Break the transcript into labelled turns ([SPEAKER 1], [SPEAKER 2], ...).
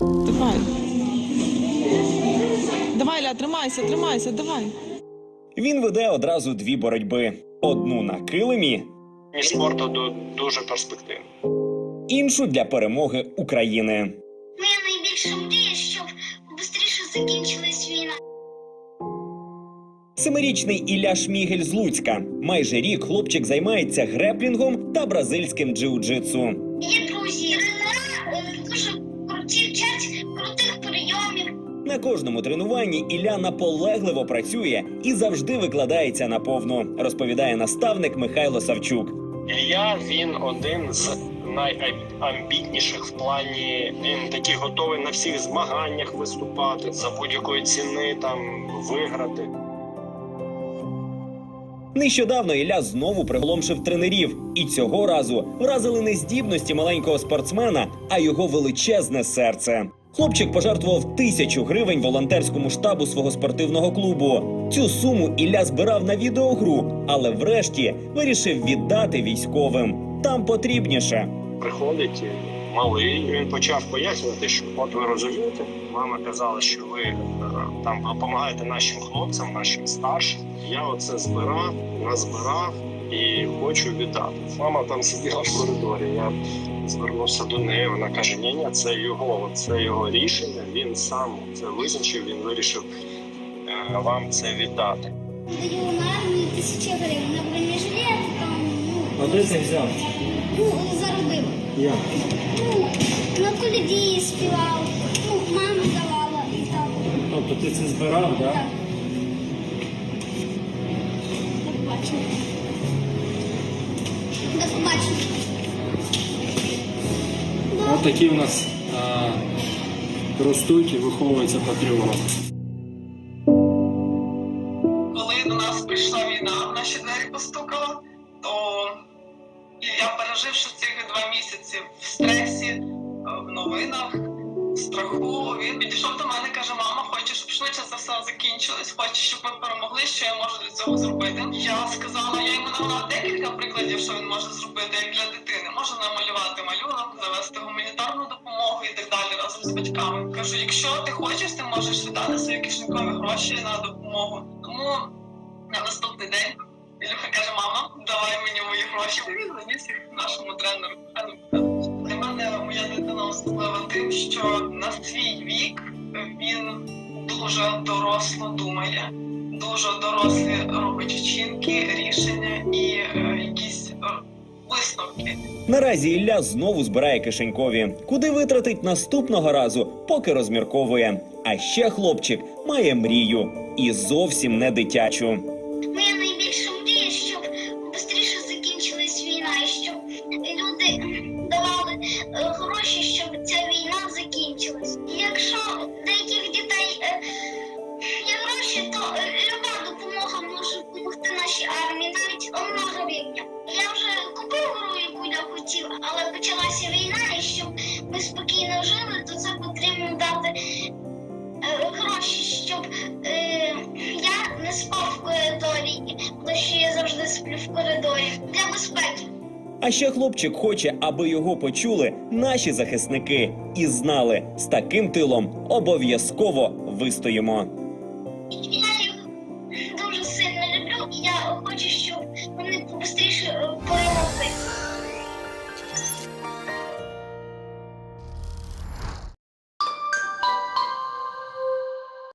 [SPEAKER 1] Давай. Давай, Ілля, тримайся, давай.
[SPEAKER 2] Він веде одразу дві боротьби. Одну на килимі,
[SPEAKER 3] І спорту дуже перспективний.
[SPEAKER 2] іншу для перемоги України.
[SPEAKER 4] Моя найбільша мрія, щоб швидше закінчилась війна.
[SPEAKER 2] Семирічний Ілля Шмігель з Луцька. Майже рік хлопчик займається греплінгом та бразильським джиу-джитсу.
[SPEAKER 4] Є друзі, дуже круті, вчать крутих прийомів.
[SPEAKER 2] На кожному тренуванні Ілля наполегливо працює і завжди викладається наповну, розповідає наставник Михайло Савчук.
[SPEAKER 3] Ілля, він один з найамбітніших в плані, він такий готовий на всіх змаганнях виступати, за будь-якої ціни там виграти.
[SPEAKER 2] Нещодавно Ілля знову приголомшив тренерів. І цього разу вразили не здібності маленького спортсмена, а його величезне серце. Хлопчик пожертвував 1000 гривень волонтерському штабу свого спортивного клубу. Цю суму Ілля збирав на відеогру, але врешті вирішив віддати військовим. Там потрібніше.
[SPEAKER 3] Приходить малий, він почав пояснювати, що от ви розумієте, мама казала, що ви там допомагаєте нашим хлопцям, нашим старшим. Я оце назбирав і хочу віддати. Мама там сиділа в коридорі, я звернувся до неї, вона каже, ні, це його рішення, він сам це визначив, він вирішив вам це віддати.
[SPEAKER 4] Даю на армію 1000 гривень на бронежилет, там,
[SPEAKER 5] А де це взяв?
[SPEAKER 4] заробив.
[SPEAKER 5] Як?
[SPEAKER 4] На коляді співав, мама давала і так.
[SPEAKER 5] Тобто ти це збирав, так? Да?
[SPEAKER 4] Так. До побачення. До побачення.
[SPEAKER 5] Ось такі у нас ростуть і виховуються патріоти.
[SPEAKER 6] Коли до нас прийшла війна, в наші двері постукала, то я, переживши цих 2 місяці в стресі, в новинах, в страху, він підійшов до мене і каже, мама, хочеш, щоб швидше це все закінчилось, хочеш, щоб ми перемогли, що я можу для цього зробити? Я сказала, я йому навела декілька прикладів, що він може зробити, як для дитини. Може намалювати малюнок, завести гуманітарну допомогу і так далі разом з батьками. Кажу, якщо ти хочеш, ти можеш віддати свої кишенькові гроші на допомогу. Тому на наступний день Ілюха каже, мама, давай мені мої гроші. Він заніс їх нашому тренеру. Для мене моя дитина особлива тим, що на свій вік він дуже доросло думає, дуже дорослі робить вчинки, рішення і якісь висновки.
[SPEAKER 2] Наразі Ілля знову збирає кишенькові. Куди витратить наступного разу, поки розмірковує. А ще хлопчик має мрію. І зовсім не дитячу.
[SPEAKER 4] Моя найбільша мрія, щоб швидше закінчилась війна, і щоб люди давали гроші, щоб ця війна закінчилась. Якщо у деяких дітей є гроші, то люба допомога може допомогти нашій армії, навіть 1 гривня. Я вже купив гру, яку я хотів, але почалася війна, і щоб ми спокійно жили, то це потрібно дати гроші, щоб я не спав в коридорі, тому що я завжди сплю в коридорі, для безпеки.
[SPEAKER 2] А ще хлопчик хоче, аби його почули наші захисники і знали, з таким тилом обов'язково вистоїмо.